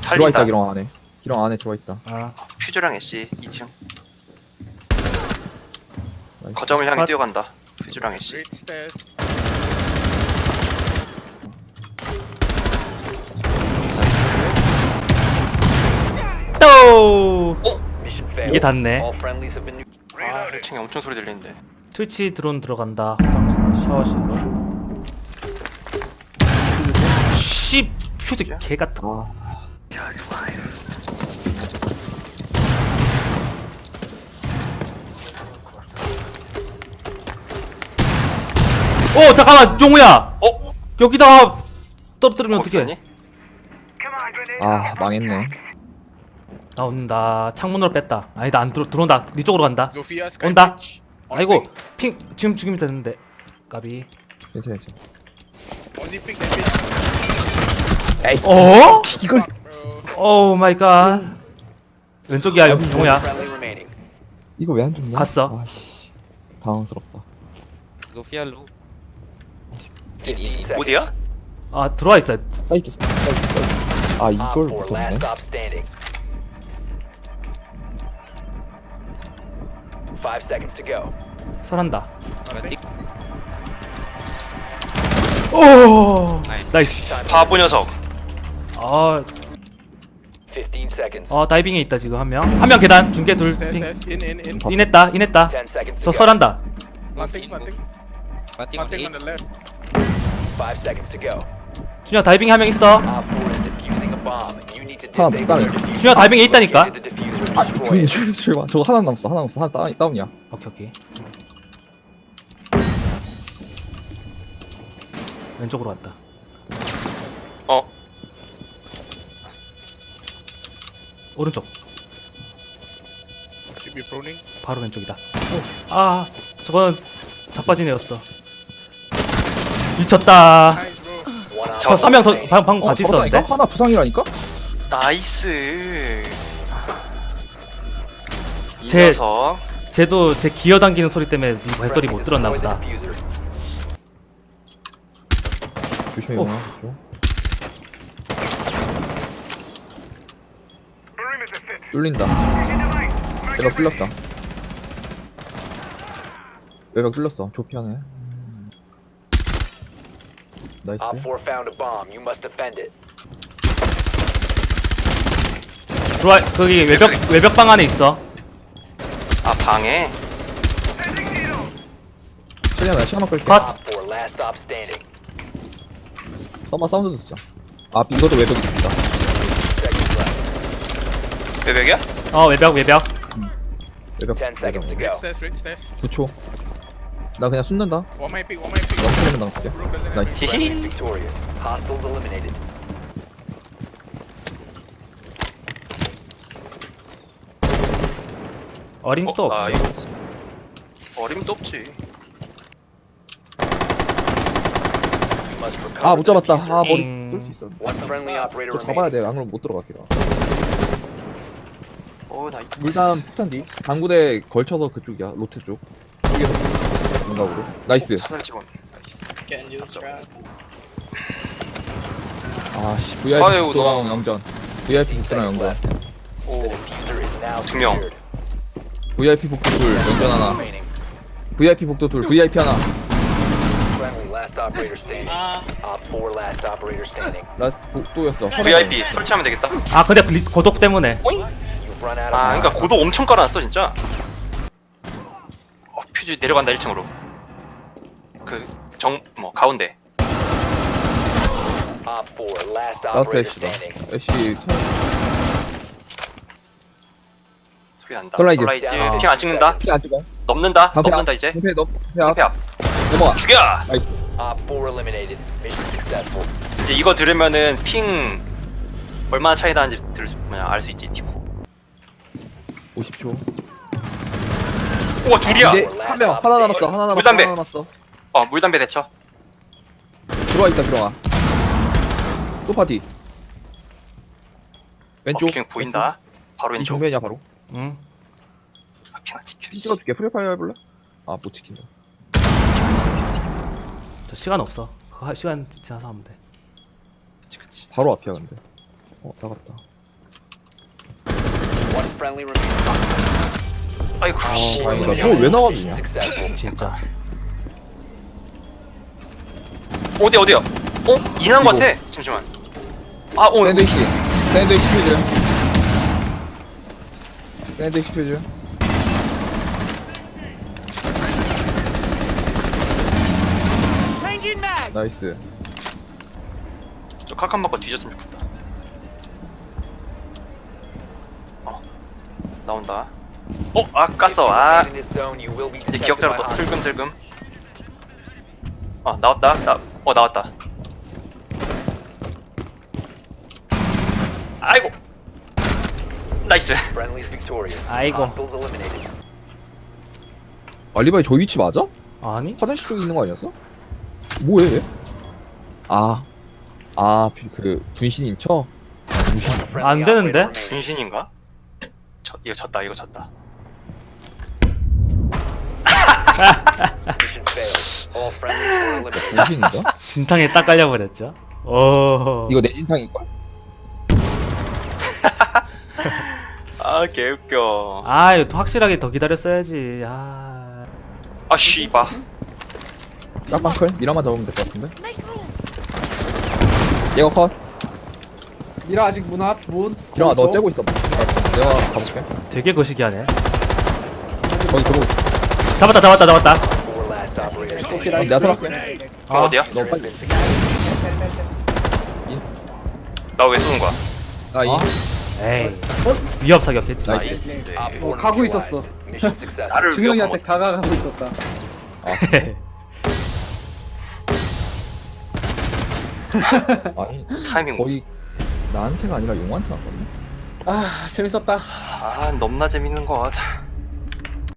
들어와 있다. 살린다. 기렁 안에. 기렁 안에 들어와 있다. 아 퓨즈랑 애쉬 2층. 나이스. 거점을 향해 아. 뛰어간다. 퓨즈랑 애쉬. Great stairs. 또 Mission 이게 failed. 닿네. All friendlies have been 아 1층에 엄청 소리 들리는데. 트위치 드론 들어간다. 화장실 샤워실로. 씨 퓨즈 개같아. 아, 오 잠깐만 용우야. 어? 여기다가 떨어뜨리면 어떡해? 없었니? 아 망했네. 나온다. 창문으로 뺐다. 아니다 안 들어온다. 네 쪽으로 간다. Zofia, Sky 온다. Bridge. On 아이고 ping. 핑 지금 죽이면 되는데. 까비. 괜찮아 괜찮아. Ozzy ping that bitch. 에이. 어? 이걸 Bro. 오 마이 갓. 왼쪽이야 용우야. friendly remaining. 이거 왜 안 죽냐? 갔어. 아씨. 당황스럽다. Zofia low. 15 seconds. 어디야? 아 들어와 있어. 사이트 사이트. 아 Op 이걸 4 못 last 잡네. stop standing. 5 seconds to go. 설한다. Nothing. 오 Nice. 나이스. 바보 녀석. 아, 15 seconds. 다이빙에 있다 지금 한 명. 한 명 계단 중계 둘. Stairs, 핑. stairs. In. 인했다 인했다. 10 seconds 저 to go. 설한다. Planting, planting. Planting on Planting on A. the left. 5 seconds to go. 준혁 다이빙 한 명 있어. Op 4 is defusing a bomb. You need to 하나 disable 못 their 가네. diffuser. 준혁 다이빙에 있다니까. Locate the diffuser and 아 destroy 조용히 it. 조용히 저거 하나 남았어. 하나 다운이야. 오케이 오케이. 왼쪽으로 왔다. 어? 오른쪽. Should be proning. 바로 왼쪽이다. 아 저건 자빠진 애였어. 미쳤다. Nice, bro. One op 저 four 한 명 더 remaining. 방금 같이 저렇다니까? 있었는데. 하나 부상이라니까? 나이스. 이 제- 녀석. 쟤도 제 기어 당기는 소리 때문에 네 발소리 못 들었나 보다. Destroy the diffuser. 조심해 오. 영아. 뚫린다. 외벽 뚫렸다. 외벽 뚫렸어. 조피하네. 나이스. Op 4 found a bomb. You must defend it. 들어와 거기 외벽 방 안에 있어. 아 방에. 최대한 나 시간만 끌게. 컷. Op 4 last stop standing. 써마 사운드 듣자. 아 이것도 외벽이 있다. Seconds left. 외벽이야? 외벽 외벽. 10 seconds to 외벽. go. Red stairs, red stairs. 9초. 나 그냥 숨는다. One might pick, one might pick. 영수님은 당할게. Room doesn't have 나이스. any- Friendly victorious. Hostiles eliminated. 어림도 없죠. 아 이거 어림도 없지. You must recover 아 못 the 잡았다. diffuser. 아 머리 잉. 쏠 수 있어. One friendly operator 저 잡아야 remaining. 돼. 안그러면 못 들어가기라. 오 나이스. 물담 폭탄 뒤. 당구대 걸쳐서 그쪽이야. 로트 쪽. 쪽에서 공각으로. 나이스. 사살 직원. 나이스. 아씨 아유, VIP 복도랑 너무- 영전. VIP 복도랑 영전. The 오 diffuser is now 두 명. secured. VIP 복도 둘 영전 하나. Remaining. VIP 복도 둘 VIP 하나. Friendly last operator standing. Op 4 last operator standing. 라스트 복도였어. VIP 설치하면 되겠다. 아 근데 고독 때문에. You've run out of 아 time. 그러니까 고도 엄청 깔아놨어 진짜. 퓨즈 내려간다 1층으로. 가운데. Op 4 last 라스트 operator 애쉬다. standing. 애쉬 소리 난다. 솔라이즈. 아. 핑 안 찍는다. 피안 찍어. 넘는다. 방패 넘는다 이제. 방패 너 방패 방패 앞. 앞. 넘어가. 죽여. 나이스. Op 4 eliminated. Mission successful. 이제 이거 들으면은 핑 얼마나 차이 나는지 알 수 있지 티코. 50초. 우와 둘이야. 이제 한 명 하나 남았어. 하나 남았어. 물담배. 하나 남았어. 물담배 대처. 들어와 있다 들어와. 소파티. 왼쪽. 핑 보인다. 바로 이 왼쪽. 정면이야 바로. 응. 핑 찍혀. 핀 찍어줄게. 프리파이어 해볼래? 아 못 찍힌다. 저 시간 없어. 그거 시간 지나서 하면 돼. 그치. 바로 앞이야 근데. 나갔다. friendly remaining. 아이고 씨. 다행이다. 저거 왜 나와주냐? Successful. 진짜. 어디야? 이난 것 같아. 잠시만. 샌드위치 퓨즈. 샌드위치 퓨즈. 나이스. 저 칼칸 맞고 뒤졌으면 좋겠다. 나온다. 깠어. In this zone, you will be 이제 detected 기억자로 by 또 hostiles. 슬금슬금. 나왔다. 나왔다. 아이고. 나이스. Friendly's victorious. 아이고. Hostiles eliminated. 알리바이 저 위치 맞아? 아니? 화장실 쪽에 있는 거 아니었어? 뭐해? 그 분신 인처? Friendly 안 되는데? operator remaining. 분신인가? 이거 졌다. Mission failed. All friendlies were eliminated. 분신인가? 진탕에 딱 깔려버렸죠. 오. 이거 내 진탕일걸? 개웃겨. 이거 확실하게 더 기다렸어야지. 씨바. 짝방클? 미라만 잡으면 될 것 같은데? 얘가 컷. 미라 아직 문 앞, 문. 기랑아 너 거기 째고 있어. 내가 가볼게. 되게 거시기하네. 거기 들어오고 있어. 잡았다. Four last operators. 오케이, 내가 나이스. 들어갈게. 어디야? 너 빨리. 나 왜 쏘는 거야? 에이. 위협 사격했지. 나이스. 나이스. Op four 가고 neutralized. 있었어. Mission successful. 나를 중형이한테 위협한 다가가고 있었다. 아니 타이밍 거의 나한테가 아니라 용한테 왔거든. 아, 재밌었다. 너무나 재밌는 것 같아.